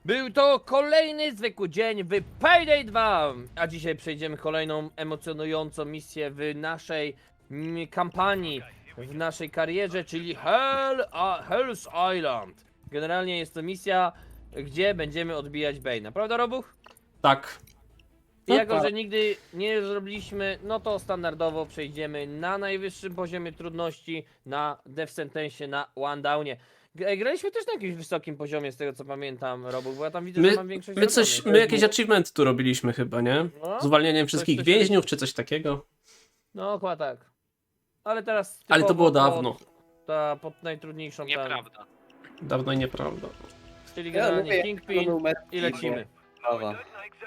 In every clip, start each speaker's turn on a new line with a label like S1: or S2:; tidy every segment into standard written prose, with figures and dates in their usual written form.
S1: Był to kolejny zwykły dzień w Payday 2, a dzisiaj przejdziemy kolejną emocjonującą misję w naszej kampanii, w naszej karierze, czyli Hell's Island. Generalnie jest to misja, gdzie będziemy odbijać Bane'a, prawda Robuch?
S2: Tak.
S1: I jako, że nigdy nie zrobiliśmy, no to standardowo przejdziemy na najwyższym poziomie trudności, na Death Sentence, na One Downie. Graliśmy też na jakimś wysokim poziomie, z tego co pamiętam, Robuch, bo ja tam widzę, że mam większość zrobionych.
S2: My jakieś achievement tu robiliśmy chyba, nie?
S1: No,
S2: Z uwalnianiem wszystkich
S1: coś
S2: więźniów, czy coś takiego.
S1: No, chyba tak. Ale teraz
S2: Ale to
S1: typowo
S2: było dawno.
S1: pod najtrudniejszą tam,
S3: Nieprawda.
S2: Dawno i nieprawda.
S1: czyli
S4: Ja
S1: generalnie
S4: lubię
S1: Kingpin
S4: numer
S1: i lecimy.
S4: Prawa.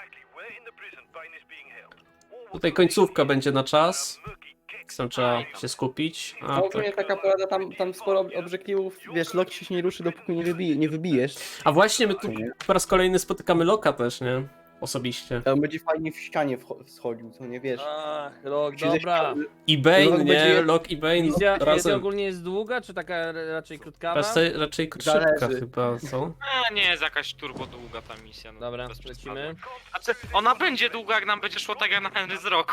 S2: Tutaj końcówka będzie na czas. Tam trzeba się skupić. A,
S4: No, ogólnie
S2: tak.
S4: taka porada, tam sporo obrzekliwów, wiesz, Loki się nie ruszy, dopóki nie wybijesz.
S2: A właśnie my tu po raz kolejny spotykamy Loka też, nie? Osobiście.
S4: To on będzie fajnie w ścianie schodził, co nie wiesz.
S1: Ach, rok,
S4: Przyjdzie
S1: dobra.
S2: I Bane,
S4: Lok
S2: nie?
S4: będzie-
S2: Lok i Bane
S1: Misja
S2: razem.
S1: ogólnie jest długa, czy taka raczej krótkawa?
S2: Raczej szybka
S4: Zależy.
S2: chyba, co?
S3: Nie jest jakaś turbo długa ta misja. No,
S1: Dobra,
S3: bez przesady.
S1: lecimy.
S3: Znaczy, ona będzie długa, jak nam będzie szło tak jak na Henry z roku.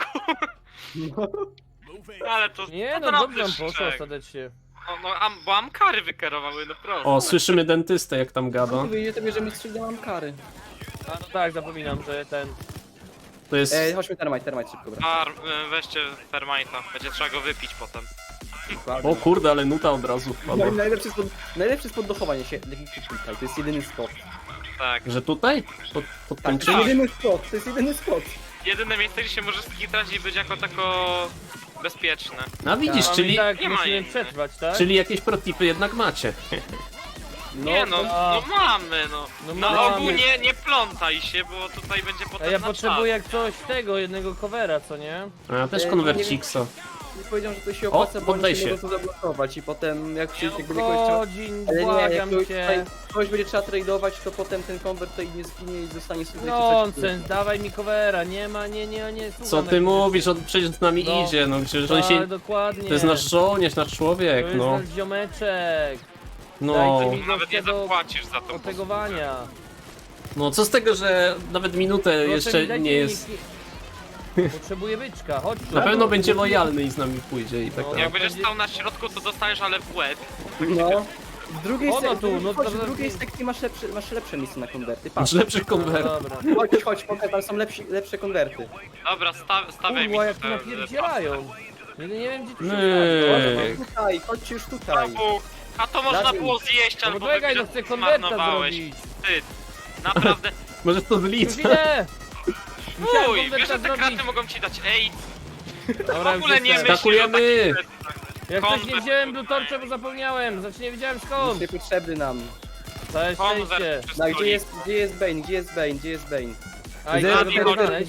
S3: Ale to...
S1: Nie
S3: to
S1: no, dobrze nam
S3: naprawdę
S1: poszło
S3: szczek.
S1: ostatecznie.
S3: Bo Amkary wykierowały, no prosto.
S2: O, słyszymy dentystę jak tam gada.
S4: Wyjdzie to bierzemy strzygałam kary.
S1: A no tak, zapominam, że ten...
S2: To jest...
S4: Chodźmy termite szybko, bra.
S3: Weźcie Fermajta, będzie trzeba go wypić potem.
S2: O kurde, ale nuta od razu wpadła.
S4: No, najlepszy spod dochowania się, tutaj, to jest jedyny spot.
S3: Tak.
S2: Że tutaj? Pod
S4: Tak,
S2: tym
S4: to jest
S2: czymś?
S4: jedyny spot, to jest jedyny spot.
S3: Jedyne miejsce, gdzie się możesz skitrać i być jako tako bezpieczne.
S2: A widzisz,
S1: Mamy
S2: czyli,
S1: tak,
S3: nie ma
S1: musimy
S3: innych.
S1: przetrwać, tak?
S2: czyli jakieś protipy jednak macie.
S3: Nie no,
S1: a-
S3: no mamy no.
S1: No
S3: Na
S1: mamy.
S3: ogół nie plątaj się, bo tutaj będzie potem
S1: A ja
S3: na
S1: potrzebuję jak
S3: czas.
S1: coś tego, jednego covera, co nie?
S2: A ja też
S4: nie
S2: konwerciksa.
S4: I powiedział, że to się opłaca, bo
S2: poddaj
S4: oni się
S2: się.
S4: mogą to zablokować i potem jak przyjdzie, jak
S1: No
S4: będzie kogoś trzeba...
S1: godzin,
S4: Ale nie, jak
S1: błagam cię.
S4: kogoś będzie trzeba tradeować, to potem ten konwert tutaj nie zginie i zostanie sobie
S1: Nonsens, dawaj mi covera, nie ma, nie,
S2: Co
S1: słucham
S2: ty
S1: jak-
S2: mówisz? On przecież z nami
S1: No.
S2: idzie, no przecież on
S1: Tak,
S2: się...
S1: dokładnie.
S2: To jest nasz żołnierz, nasz człowiek,
S1: To jest
S2: no.
S1: nasz ziomeczek.
S2: No.
S1: Dajcie mi
S3: Nawet nie
S1: do
S3: zapłacisz za to.
S1: otegowania.
S2: No co z tego, że nawet minutę
S1: Proszę mi,
S2: jeszcze
S1: dajcie
S2: nie
S1: mi
S2: jest...
S1: Potrzebuję byczka, chodź tu.
S2: Na pewno będzie lojalny i z nami pójdzie i tak
S1: No,
S2: dalej.
S3: Jak będziesz
S1: będzie-
S3: stał na środku, to dostaniesz ale w łeb.
S4: No. W drugiej
S1: Ono
S4: sekcji,
S1: tu, no to-
S4: w drugiej sekcji masz lepsze miejsce na konwerty.
S2: Masz
S4: Patrz,
S2: lepszych konwertów.
S1: Dobra.
S4: chodź, pokaż, tam są lepsze konwerty.
S3: Dobra, stawiaj mi
S1: Kurwa, jak tu
S3: te-
S1: napierdzielają. Nie wiem gdzie tu się
S2: Myk.
S1: ustawić.
S4: Tutaj, chodźcie już tutaj.
S3: A to można
S4: Dawid.
S3: było zjeść
S1: No
S3: albo
S1: bo czekaj, no
S3: wypić,
S1: chcę
S3: że
S1: konwerta
S3: zmarnowałeś.
S1: zrobić.
S3: Wstyd. Naprawdę.
S2: Możesz to
S1: Już
S2: zliczyć.
S1: idę! Musiałem
S3: Uj, wiesz,
S1: konwerta
S3: że te
S1: zrobić.
S3: kraty mogą ci dać. Ej,
S1: Dobra,
S3: w ogóle
S1: już
S3: nie
S1: jestem.
S3: myślisz o
S2: Skakujemy.
S3: takich rzeczach.
S1: Jak coś nie
S3: Konwert
S1: wziąłem
S3: tutaj.
S1: Blue Torcha, bo zapomniałem. Znaczy nie wiedziałem
S4: Jest
S1: skąd.
S4: niepotrzebny nam.
S1: Całe szczęście.
S3: Konwert przez
S4: No,
S3: stolik.
S4: gdzie jest Bane, gdzie jest Bane, gdzie jest Bane?
S1: A i
S3: Zero,
S1: gdzie
S3: zero,
S1: go znaleźć?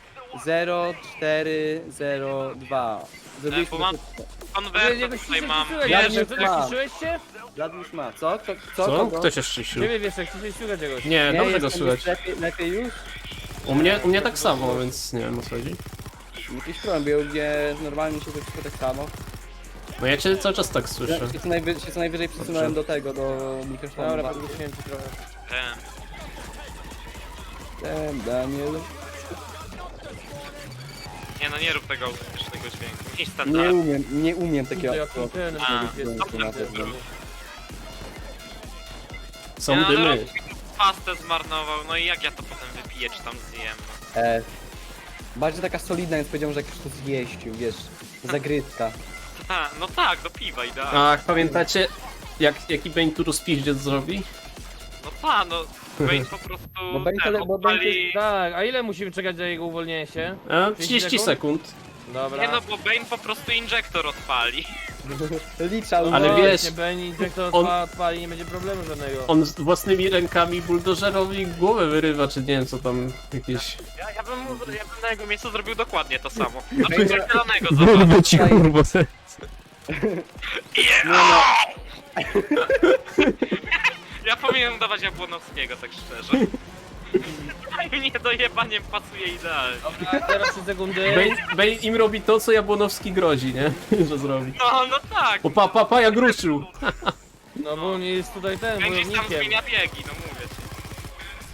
S4: 0402. Zrobiliśmy
S3: bo mam-
S4: to.
S3: Konwerta
S1: Jakoś
S3: tutaj
S1: się
S3: mam.
S1: ściszyłeś,
S4: Ja
S3: Wiesz,
S4: nie
S1: Wiesz,
S4: mam.
S1: ściszyłeś się?
S4: Vlad już ma. Co?
S2: Co?
S4: Kogo?
S2: Kto się szczyścił?
S1: Ciebie wiesz, jak się ściga czegoś.
S2: Nie, dobrze go
S4: jestem
S2: słychać.
S4: lepiej już?
S2: U mnie tak samo, więc nie wiem o co chodzi.
S4: Jakiś problem był, gdzie normalnie się wszystko tak samo.
S2: No ja cię cały czas tak słyszę.
S4: Ja się co najwyżej przesunąłem do tego, do mikrofonu.
S1: Dobra, podgłosiłem ci trochę.
S4: Daniel.
S3: Nie no, nie rób tego autentycznego dźwięku. Miej
S4: Nie
S3: standard.
S4: nie umiem
S1: Kurde,
S4: takiego.
S1: jaki ten
S3: A,
S1: jest.
S2: Są
S3: Ja na
S2: dymy.
S3: rok pastę zmarnował, no i jak ja to potem wypiję, czy tam zjem?
S4: Bardziej taka solidna, więc powiedziałem, że jak już to zjeścił, wiesz, zagryzka.
S3: No tak, do piwa idealnie.
S2: Ach, pamiętacie jaki Bane tu rozpiździec zrobi?
S3: No tak, no Bane po prostu
S4: Bo Bane
S3: ten,
S4: tyle- bo Bane
S3: odpali...
S1: Tak, a ile musimy czekać na jego uwolnienie się?
S2: 30 sekund.
S1: Dobra.
S3: Nie no, bo Bane po prostu injektor odpali.
S4: Liczał.
S2: Ale
S1: No,
S2: wiesz,
S1: właśnie, Benny, jak to
S2: on-
S1: odpali, nie będzie problemu żadnego.
S2: On z własnymi rękami buldożerowi głowę wyrywa, czy nie wiem co tam jakieś...
S3: Ja bym na jego miejscu zrobił dokładnie to samo. Znaczy zielonego, zobacz.
S2: ci kurwa.
S3: Ja powinienem dawać Jabłonowskiego, tak szczerze. Nie dojebaniem pasuje idealnie.
S1: A teraz 3 sekundy.
S2: Bane im robi to, co Jabłonowski grozi, nie? Że zrobi.
S3: No tak.
S2: O pa, jak ruszył.
S1: No bo nie jest tutaj ten
S3: Gdzieś tam
S1: wojownikiem.
S3: zmienia biegi, no mówię ci.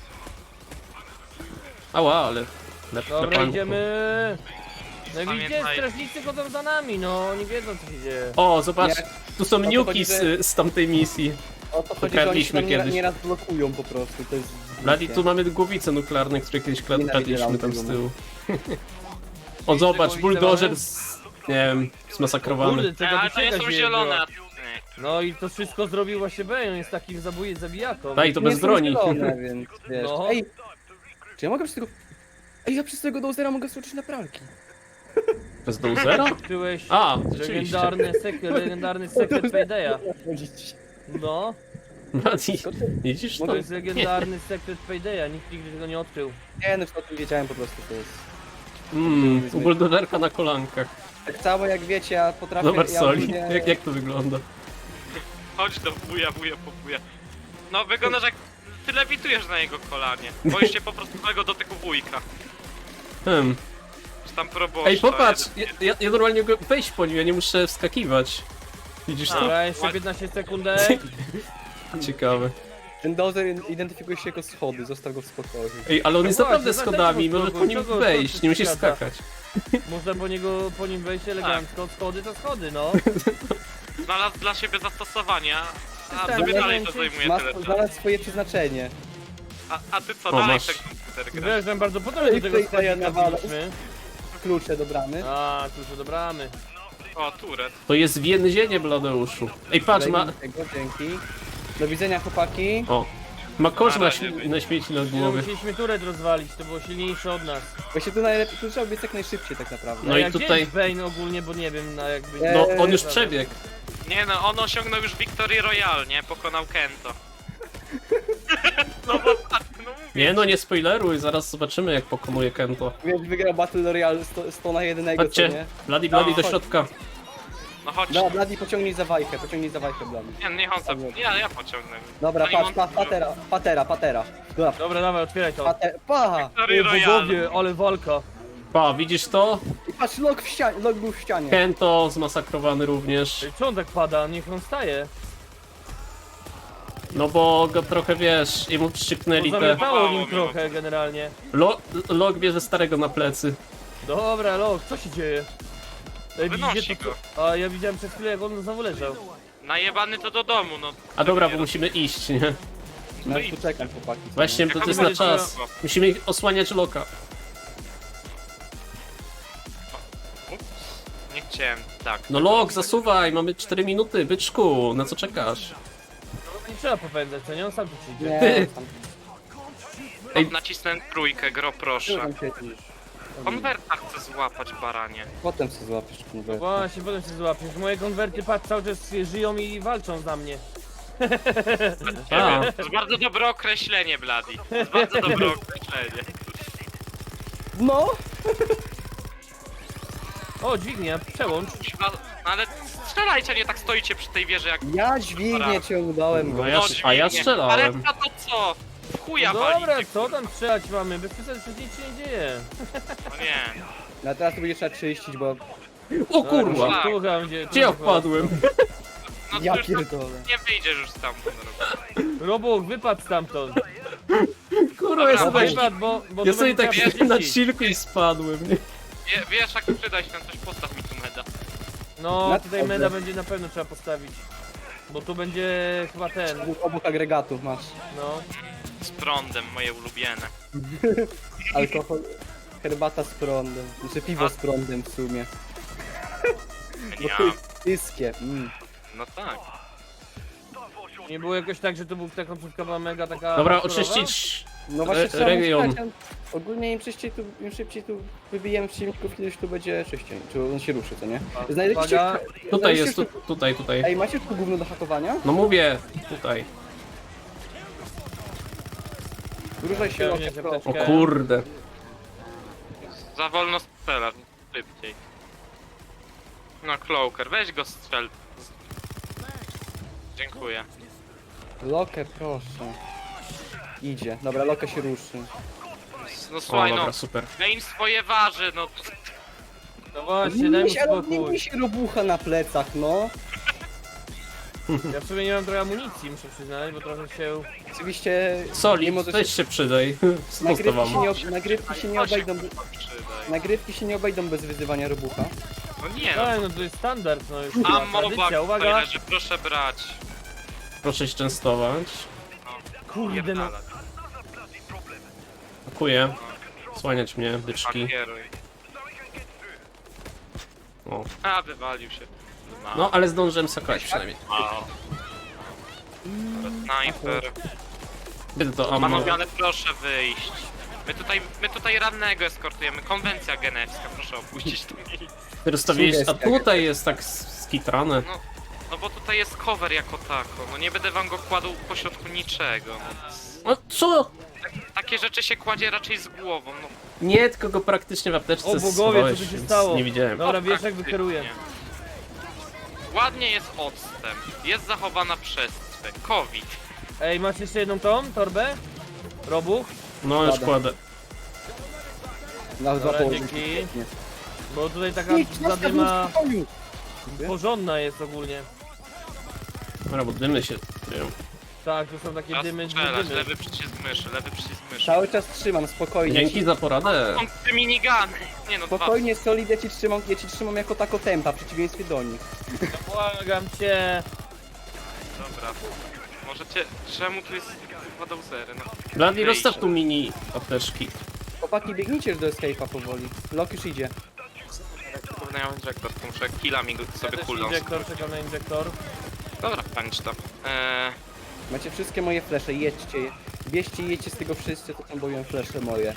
S2: Ała, ale...
S1: Dobra, idziemy. No i widzicie,
S3: Pamiętaj.
S1: strażnicy chodzą za nami, no, oni wiedzą co się dzieje.
S2: O, zobacz,
S4: Nie.
S2: tu są
S4: to
S2: niuki
S4: chodzi, że-
S2: z tamtej misji.
S4: O to chodzi, że oni się
S2: Ukradliśmy
S4: tam
S2: kiedyś.
S4: nieraz blokują po prostu, to jest...
S2: Bladi, tu mamy głowice nuklearne, które kiedyś
S4: Nienawidzę
S2: kradliśmy tam z
S4: lampy,
S2: tyłu. O, zobacz,
S1: głowice
S2: buldożer
S1: mamy?
S2: nie wiem, zmasakrowany.
S1: Kurde, tego
S3: Ale to nie
S1: wycieka
S3: są
S1: się
S3: zielone.
S1: była.
S3: a nie.
S1: No i to wszystko zrobił właśnie Bane, on jest takim zabijaką.
S2: Daj, to
S4: Nie
S2: bez
S4: są
S2: broni.
S4: zielone, więc wiesz.
S1: No.
S4: Ej, czy ja mogę przez tego... Ej, ja przez tego dozera mogę skoczyć na pralki.
S2: Bez dozera?
S1: Odkryłeś
S2: A, rzeczywiście.
S1: legendarny sekret Paydaya. No,
S2: Bladi, widzisz to?
S1: to jest legendarny sekret Paydaya, nikt nigdy tego nie odkrył.
S4: Nie, no już o tym wiedziałem po prostu, to jest...
S2: U buldożerka na kolankach.
S4: Tak całe jak wiecie, ja potrafię...
S2: Zobacz
S4: ja
S2: soli,
S4: ogólnie-
S2: jak to wygląda.
S3: Chodź do wuja, po wuja. No wyglądasz jak... Ty lewitujesz na jego kolanie. Boisz się po prostu tego dotyku wujka. Czy tam proboszcza.
S2: Ej, popatrz,
S3: jeden-
S2: ja normalnie mogę wejść po nim, ja nie muszę wskakiwać. Widzisz to?
S1: Dobra, jeszcze 15 sekundek.
S2: Ciekawe.
S4: Ten dozer identyfikuje się jako schody, zostaw go w spokoju.
S2: Ej, ale on jest
S1: No
S2: naprawdę
S1: właśnie,
S2: schodami,
S1: dlatego
S2: może po nim
S1: kogo
S2: wejść, nie musisz
S1: zgadza?
S2: skakać.
S1: Można po nim wejść elegancko, schody to schody, no.
S3: Znalazł dla siebie zastosowanie, a
S1: System
S3: sobie dalej to
S1: elementy.
S3: zajmuje
S4: Ma
S3: tyle czasu.
S4: znalazł swoje przeznaczenie.
S3: A ty co,
S2: O,
S3: dalej
S2: masz.
S3: w ten komputer grasz?
S1: Wiesz, że bardzo potem do tego
S4: Ej, ja
S1: sklepika
S4: nawalę.
S1: byliśmy.
S4: Klucze do bramy.
S1: A, tu już odebramy.
S3: O, turet.
S2: To jest więzienie, Bladeuszu. Ej, patrz, ma...
S4: Lejmy tego, dzięki. Do widzenia, chłopaki.
S2: O. Ma kosz
S3: Na razie wyjdzie.
S2: na śmieci na
S1: No,
S2: głowie.
S1: musieliśmy turet rozwalić, to było silniejsze od nas.
S4: Właśnie tu najlepiej, tu trzeba biec jak najszybciej tak naprawdę.
S2: No
S1: A
S2: i
S1: jak
S2: tutaj-
S1: gdzie jest Bane ogólnie, bo nie wiem, na jakby...
S4: Nie.
S2: No, on już przebiegł.
S3: Nie no, on osiągnął już Victory Royale, nie? Pokonał Kento. No bo tak, no mówię.
S2: Nie no, nie spoileruj, zaraz zobaczymy jak pokonuje Kento.
S4: Wiesz, wygrał Battle Royale 100 na 1, co
S2: Chodźcie,
S4: nie?
S2: Bladi
S3: No,
S2: do
S3: chodź.
S2: środka.
S3: No chodź.
S4: Dobra, Bladi, pociągnij za wajchę, Bladi.
S3: Nie, niech on sobie... Ja pociągnę.
S4: Dobra,
S3: Zanim
S4: patrz,
S3: on-
S4: patera. Dobra,
S1: Dobra, dawaj, otwieraj to.
S4: paha!
S3: Victory
S1: O
S3: Royale.
S1: bogowie, ale walka.
S2: Pa, widzisz to?
S4: I patrz, log w ścianie, log był w ścianie.
S2: Kento zmasakrowany również.
S1: Ej, co on tak pada? Niech on staje.
S2: No bo go trochę wiesz, jemu
S1: Bo
S2: przyszczypnęli te...
S1: zamiatało nim
S3: Mało,
S1: trochę generalnie.
S2: Log bierze starego na plecy.
S1: Dobra, Lok, co się dzieje? Ej,
S3: Wynosi
S1: widzicie to,
S3: go.
S1: co? A ja widziałem przed chwilą, jak on znowu leżał.
S3: Najebany to do domu, no.
S2: A dobra, bo musimy iść, nie?
S4: No i tu czekam, chłopaki. co
S2: Właśnie,
S4: nie?
S2: to
S3: Jak
S2: jest
S3: on
S2: na
S3: będzie
S2: czas.
S3: działał?
S2: Musimy osłaniać Loka.
S3: Ups. Nie chciałem, tak.
S2: No Lok, zasuwaj, mamy 4 minuty, byczku, na co czekasz?
S1: Nie trzeba popędzać, co nie? On sam tu przyjdzie.
S4: Nie,
S2: Ty.
S4: tam,
S2: Ej.
S3: Nacisnę trójkę, gro proszę.
S4: tam siedzisz.
S3: Konwerta chcę złapać, baranie.
S4: Potem się złapiesz konwertę.
S1: Właśnie, potem się złapiesz. Moje konwerty, patrz, cały czas żyją i walczą za mnie.
S2: A,
S3: To jest bardzo dobre określenie, Bladi. To jest bardzo dobre określenie.
S4: No!
S1: O, dźwignia, przełącz.
S3: No, ale strzelajcie, nie tak stoicie przy tej wieży jak...
S4: Ja dźwignię ciągnąłem go.
S2: No ja- a ja
S3: dźwignie.
S2: strzelałem.
S3: Ale to co? W chuja
S1: No
S3: wali.
S1: dobra, co tam strzelać mamy? Bez przesady przecież nic się nie dzieje.
S3: No nie.
S4: No a teraz to będzie trzeba czyścić, bo...
S2: o kurwa!
S1: Sztuka będzie.
S2: Gdzie ja wpadłem?
S3: No
S4: Ja
S3: to już tam
S4: pierdolę.
S3: nie wyjdziesz już stamtąd.
S1: Robuch, wypadł stamtąd.
S2: Kurwa, ja
S3: Dobra,
S2: sobie,
S1: Wypadł, bo
S2: ja
S1: to
S2: sobie
S1: będzie
S2: tak
S1: trzeba
S2: na
S1: czyścić.
S2: chillku i spadłem, nie?
S3: Wiesz, jak przyda się tam coś, postaw mi tu meda.
S1: No,
S4: Na
S1: tutaj
S4: to
S1: meda
S4: dobrze.
S1: będzie na pewno trzeba postawić. Bo tu będzie chyba ten,
S4: Obok agregatów masz.
S1: no.
S3: Z prądem, moje ulubione.
S4: Alkohol... Herbata z prądem. Znaczy piwo z prądem w sumie. Bo
S3: Ja,
S4: to jest wszystkie.
S3: no tak.
S1: Nie było jakoś tak, że to był ta końcówka była mega taka...
S2: Dobra,
S1: hardkorowa?
S2: oczyścić
S4: No właśnie trzeba
S2: region.
S4: myśleć, ogólnie im szybciej tu wybijemy przeciwników, ileś tu będzie czyściej. Czy on się ruszy, co nie? Znajdziecie...
S1: Uwaga.
S2: Tutaj
S4: znajdziecie
S2: jest, tutaj.
S4: Ej, macie tu gówno do hakowania?
S2: No mówię, tutaj.
S4: Ruszaj się,
S1: Pełnię
S4: Loki,
S1: apteczkę.
S2: O kurde.
S3: Za wolno strzelasz, szybciej. No, Cloaker, weź go strzel. Dziękuję.
S4: Lokę, proszę. Idzie. Dobra, Lokę się ruszy.
S3: No
S2: O,
S3: słuchaj, no,
S2: dobra, super.
S3: main swoje waży, no.
S1: No właśnie, daj mu
S4: Nie
S1: spokój.
S4: mi się robucha na plecach, no.
S1: Ja w sumie nie mam trochę amunicji, muszę przyznać, bo trochę się...
S4: Oczywiście
S2: Soli,
S4: mimo, że
S2: weź się przydaj.
S4: nagrywki się,
S2: Zostawam.
S4: nagrywki się nie obejdą, nagrywki się nie obejdą bez wyzywania robucha.
S3: No nie no.
S1: Tak, no to jest standard, no już
S3: A
S1: tradycja,
S3: mowa,
S1: uwaga!
S3: leży, proszę brać.
S2: Proszę się częstować.
S1: Kurde no.
S3: Pierdalać.
S2: Dziękuję. Słaniać mnie, byczki.
S3: Pakieruj.
S2: O.
S3: A, wywalił się.
S2: No, ale zdążyłem sakować przynajmniej.
S3: O. Sniper.
S2: Gdy to ammo.
S3: Panowie, ale proszę wyjść. My tutaj rannego eskortujemy. Konwencja genewska, proszę opuścić to miejsce.
S2: Ty rozstawiłeś, a
S4: Sugestia
S2: tutaj jest tak skitrane.
S3: No bo tutaj jest cover jako tako. No nie będę wam go kładł pośrodku niczego. No.
S2: No co?
S3: Takie rzeczy się kładzie raczej z głową. No,
S2: Nie, tylko go praktycznie w apteczce
S1: O bogowie, co
S2: schowałeś,
S1: tu się
S2: więc
S1: stało?
S2: nie widziałem.
S1: Dobra, wiesz jak
S3: praktycznie.
S1: wykieruję.
S3: Ładnie jest odstęp. Jest zachowana przestrzeń. COVID.
S1: Ej, masz jeszcze jedną tą torbę? Robuch?
S2: No już
S4: Pada.
S2: kładę.
S4: Na dwa
S1: Dobra,
S4: połowy.
S1: dzięki. Bo tutaj taka
S4: Idź, zostaw mnie
S1: zadyma
S4: w spokoju.
S1: porządna jest ogólnie.
S2: Dobra, bo dymy się kryją.
S1: Tak, to są takie
S3: Czas
S1: dymy,
S3: strzelać.
S1: dymy.
S3: Lewy przycisk myszy, lewy przycisk myszy.
S4: Cały czas trzymam, spokojnie.
S2: Dzięki za poradę.
S3: Są te minigany. Nie no, dwa.
S4: Spokojnie, Solid, ja ci trzymam jako tako tempa, w przeciwieństwie do nich.
S1: Błagam cię.
S3: Dobra. Możecie... Czemu tu jest chyba dozery? No.
S2: Blady, rozstaw tu mini apteczki.
S4: Chłopaki, biegnijcie już do escape'a powoli. Lok już idzie.
S3: Pewnie ja mam injektor, to muszę killami go
S1: Ja
S3: sobie
S1: też
S3: kulną.
S1: injektor, czekam na injektor.
S3: Dobra, panicz tam.
S4: Macie wszystkie moje flesze, jedźcie je. Bierzcie i jedźcie z tego wszyscy, to tam boją flesze moje.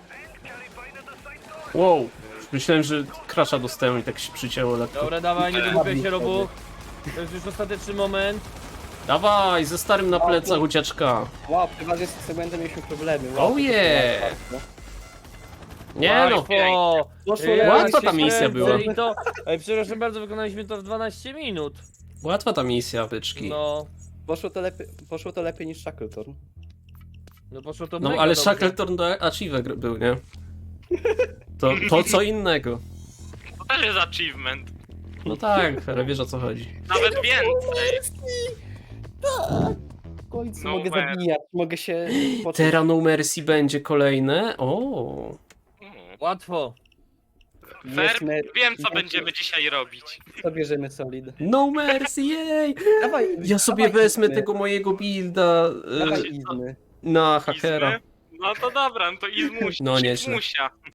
S2: Wow. Myślałem, że crasha dostałem i tak się przycięło lekko.
S1: Dobra, dawaj, nie wygłupiaj się,
S4: Zabij
S1: Robuch. To jest już ostateczny moment.
S2: Dawaj, ze starym na plecach ucieczka.
S4: Wow, przeważnie z tym segmentem mieliśmy problemy. Wow,
S2: Oh
S4: to
S2: yeah.
S4: bardzo.
S2: Nie no.
S1: Łatwo.
S4: Poszło
S1: Ej,
S4: lepiej,
S2: Łatwa ta
S1: się
S2: misja
S1: śledzę
S2: była.
S1: i to... Ej, przepraszam bardzo, wykonaliśmy to w 12 minut.
S2: Łatwa ta misja, byczki.
S1: No,
S4: Poszło to lepiej niż Shackleton.
S1: no poszło to
S2: No
S1: mega
S2: ale
S1: dobrze.
S2: Shackleton do Achieve był, nie? To co innego.
S3: To też jest achievement.
S2: No tak, ale wiesz o co chodzi.
S3: Nawet więcej.
S4: W końcu
S3: No
S4: mogę
S3: man.
S4: zabijać, mogę się poczuć.
S2: Terra No Mercy będzie kolejne. O.
S1: Łatwo.
S3: Fair,
S4: Jest
S3: wiem co
S4: jest-
S3: będziemy dzisiaj robić.
S4: To bierzemy Solid.
S2: No Mercy, jej!
S4: Dawaj,
S2: Ja sobie
S4: dawaj
S2: wezmę
S4: izmy,
S2: tego mojego builda
S4: Dawaj izmy.
S2: na hakera.
S3: Izmy? No to dobra, no to Izmusia.
S2: No, nieźle.
S3: Izmusia.